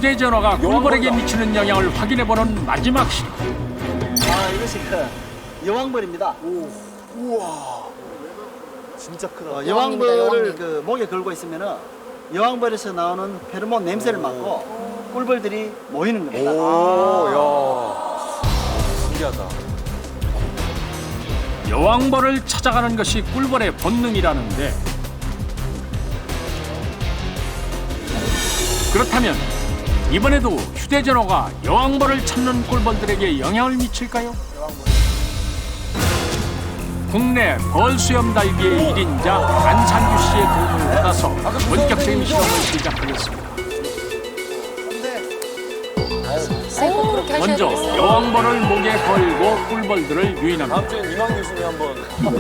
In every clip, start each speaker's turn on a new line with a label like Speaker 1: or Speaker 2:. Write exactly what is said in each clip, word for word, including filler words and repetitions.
Speaker 1: 휴대전화가 꿀벌에게 미치는 영향을 확인해보는 마지막 시간.
Speaker 2: 아, 이것이 그 여왕벌입니다.
Speaker 3: 우와. 진짜 크다.
Speaker 2: 어,
Speaker 4: 여왕입니다,
Speaker 2: 여왕벌을
Speaker 4: 여왕님.
Speaker 2: 그 목에 걸고 있으면은 여왕벌에서 나오는 페로몬 냄새를 맡고 꿀벌들이 모이는 겁니다.
Speaker 3: 오, 야. 신기하다.
Speaker 1: 여왕벌을 찾아가는 것이 꿀벌의 본능이라는데, 그렇다면 이번에도 휴대전화가 여왕벌을 찾는 꿀벌들에게 영향을 미칠까요? 국내 벌수염 달기의 일인자 안상규 씨의 도움을 받아서 본격적인 실험을 시작하겠습니다.
Speaker 4: 꼭 그렇게 하셔야
Speaker 1: 먼저
Speaker 4: 되겠어요.
Speaker 1: 여왕벌을 목에 걸고 꿀벌들을 유인합니다.
Speaker 3: 다음 주엔 이만 교수님 한번.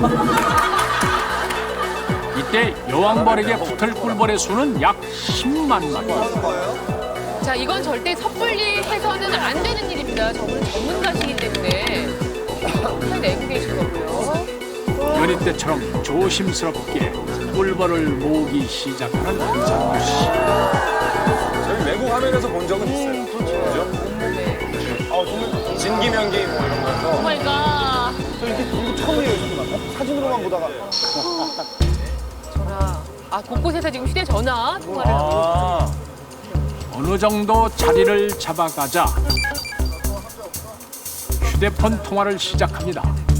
Speaker 1: 이때 여왕벌에게 붙을 꿀벌의 수는 약 십만 마리.
Speaker 4: 자, 이건 절대 섣불리 해서는 안 되는 일입니다. 저분은 전문가시기 때문에 잘 내고 계신 거고요.
Speaker 1: 연희 때처럼 조심스럽게 꿀벌을 모으기 시작하는 안상규 씨.
Speaker 3: 저희 외국 화면에서 본 적은 있어요. 그렇죠.
Speaker 4: 온몸에.
Speaker 3: 아, 정말 진기명기 뭐 이런 거에서.
Speaker 4: 오마이갓.
Speaker 2: 저 이게 이거 처음이에요. 사진으로만 보다가.
Speaker 4: 전화. 아, 곳곳에서 지금 휴대전화 통화를 하고
Speaker 3: 아.
Speaker 1: 어느 정도 자리를 잡아가자 휴대폰 통화를 시작합니다.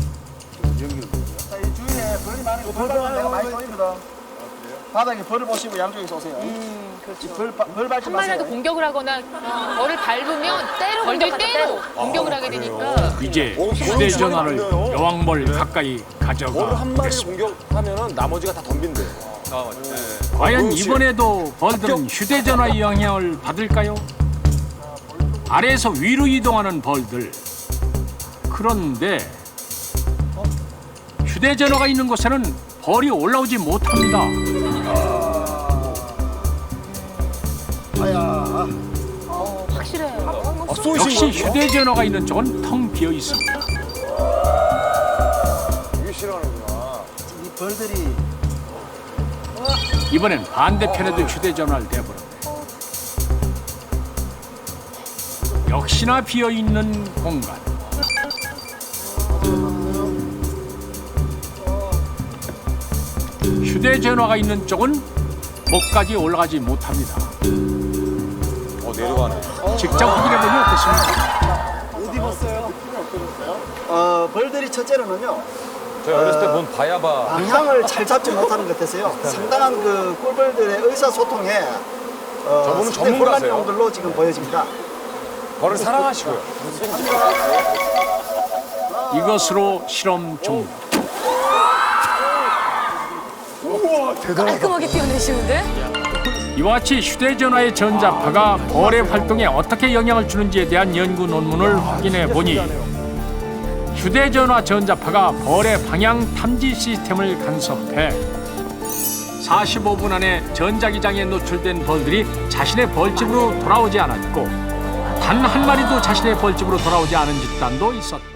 Speaker 2: 자, 이 주위에 벌이 많은 거 벌 내가 많이 보입니다. 바닥에 벌을 보시고 양쪽에서 오세요.
Speaker 4: 음, 그렇죠.
Speaker 2: 벌, 바- 벌 밟지
Speaker 4: 한
Speaker 2: 마세요.
Speaker 4: 마리라도 공격을 하거나 벌을 밟으면 때로 벌들 때로 공격을 하게 되니까
Speaker 1: 이제
Speaker 3: 오,
Speaker 1: 휴대전화를
Speaker 3: 그러면 안 돼요.
Speaker 1: 여왕벌 가까이 가져가
Speaker 3: 벌을 한 마리를
Speaker 1: 보겠습니다.
Speaker 3: 공격하면은 나머지가 다 덤빈대. 아, 맞네.
Speaker 1: 과연 이번에도 벌들은 휴대전화의 영향을 받을까요? 아래에서 위로 이동하는 벌들. 그런데 휴대전화가 있는 곳에는 벌이 올라오지 못합니다.
Speaker 2: 아야.
Speaker 4: 어, 확실해요.
Speaker 3: 아, 쏘이신
Speaker 1: 역시
Speaker 3: 거예요?
Speaker 1: 휴대전화가 있는 쪽은 텅 비어 있습니다.
Speaker 3: 이게 싫어하는구나.
Speaker 2: 이 벌들이
Speaker 1: 이번엔 반대편에도 휴대전화를 대보는데 역시나 비어 있는 공간. 휴대전화가 있는 쪽은 목까지 올라가지 못합니다.
Speaker 3: 어, 내려가네.
Speaker 1: 직접 확인해보니 어떻습니까?
Speaker 2: 어디 봤어요? 어, 벌들이 첫째로는요.
Speaker 3: 저희 어렸을 때 본 바야바.
Speaker 2: 방향을 잘 잡지 못하는 것 같아서요. 상당한 그 꿀벌들의 의사소통에 어,
Speaker 3: 저분은
Speaker 2: 상당히
Speaker 3: 전문가세요.
Speaker 2: 혼란용들로 지금 보여집니다.
Speaker 3: 벌을 사랑하시고요.
Speaker 1: 이것으로 실험 종료.
Speaker 4: 깔끔하게 뛰어내시는데?
Speaker 1: 이와 같이 휴대전화의 전자파가 벌의 활동에 어떻게 영향을 주는지에 대한 연구 논문을 확인해 보니 휴대전화 전자파가 벌의 방향 탐지 시스템을 간섭해 사십오 분 안에 전자기장에 노출된 벌들이 자신의 벌집으로 돌아오지 않았고 단 한 마리도 자신의 벌집으로 돌아오지 않은 집단도 있었다.